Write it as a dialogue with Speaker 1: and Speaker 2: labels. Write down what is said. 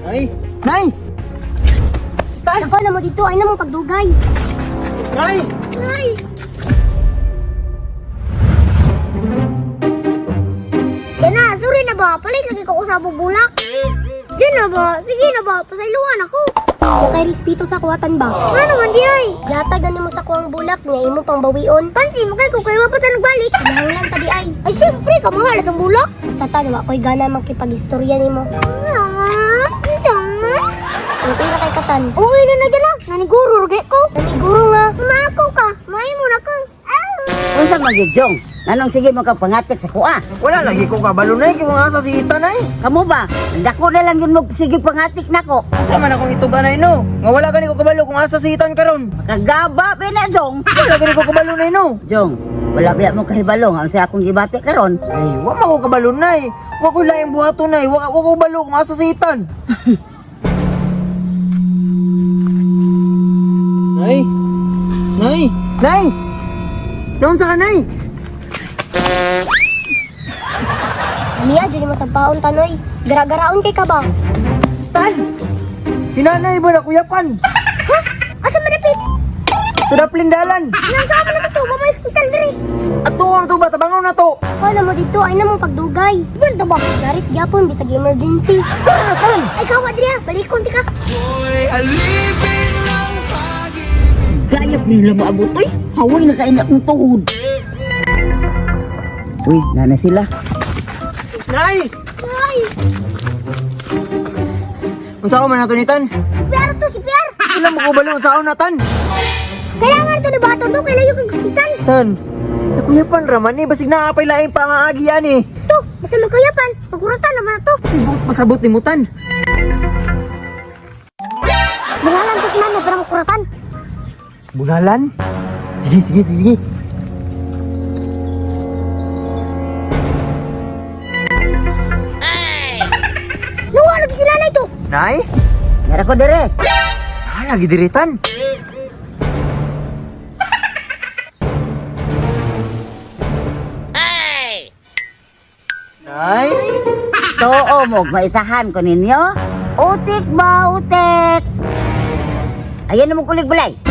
Speaker 1: Nay! Nay!
Speaker 2: Ako na mo dito, ay na mong pagdugay.
Speaker 1: Nay!
Speaker 2: Ay! Yan na, sorry na ba? Palit lagi ko sa bubulak. Yan na ba? Sige na ba? Pasailuan ako. Kung kay respeto sa kuwatan ba? Ano man di ay? Yatag na mo sa kuwang bulak niya, imo pang bawion. Pansi mo kay kung kayo wapatan nagbalik. Kinahanglan ta di ay. Ay syempre, kamahal itong bulak. Basta tanwa, ako'y gana makipag-istorya ni mo. Ang pira kay Katan. Uwi na dyan lang. Naniguro, rugay ko. Naniguro nga. Mako ka. May mo na ka.
Speaker 3: Unsa magyudyong? Anong sige mo kang pangatik sa kuha?
Speaker 1: Wala lagi ko kabalo nay, kaya mga asa si Ita nay.
Speaker 3: Kamu ba? Dako na lang yun mo sige pangatik nako.
Speaker 1: Asa man akong ituga nay no? Nga wala gani ko kabalo kung asa si Itan karon.
Speaker 3: Kagaba pina jong.
Speaker 1: Wala gani ko kabalo nay no.
Speaker 3: Jong, wala biya mo kahibalong ang sa akong gibati karon.
Speaker 1: Ay, wa man ko kabalo nay. Wa ko laing buhato nay, wa ko kabalo kung asa si Itan. Nay! Nay! Nay! Doon sa ka, Nay!
Speaker 2: Mia, dyan mo sa paon, Tanoy. Gara-garaon kay ka ba?
Speaker 1: Tan! Si Nanay ba na kuyapan?
Speaker 2: Ha? Asa manapit?
Speaker 1: Sa Daplindalan!
Speaker 2: Nang mo na ito, ba may hospital diri?
Speaker 1: At tuon na to ba? Tabangaw na to!
Speaker 2: Ako na mo dito, ay na mong pagdugay. Banda ba? Garit gyapon, bisag emergency.
Speaker 1: Tara, Tan!
Speaker 2: Ay, kawa diri, balikon ti ka.
Speaker 3: Gayap nila maabot oy. Haway na kain akong tuhod. Uy, nana sila.
Speaker 1: Nay!
Speaker 2: Ay,
Speaker 1: Unsa ko man nato ni Tan?
Speaker 2: si Pierre to, si Pierre.
Speaker 1: Sila mo kubalo unsa na Tan?
Speaker 2: Kailangan ito na bato to, kailangan yung hospital.
Speaker 1: Tan! Nakuyapan raman ni, basig naapay laing pangaagi yan eh.
Speaker 2: To, basta magkayapan. Pagkuratan naman na to.
Speaker 1: Sibot pasabot ni mo Tan.
Speaker 2: Bungalan to si Mano, pero magkuratan.
Speaker 1: Bunalan? Sige, sige, sige.
Speaker 2: Luwa, lagi si nanay to.
Speaker 1: Nay?
Speaker 3: Yara ko dire.
Speaker 1: Lagi diritan. Nay?
Speaker 3: Too mo maisahan ko ninyo. Utik ba, utik? Ayan na mong kulig balay.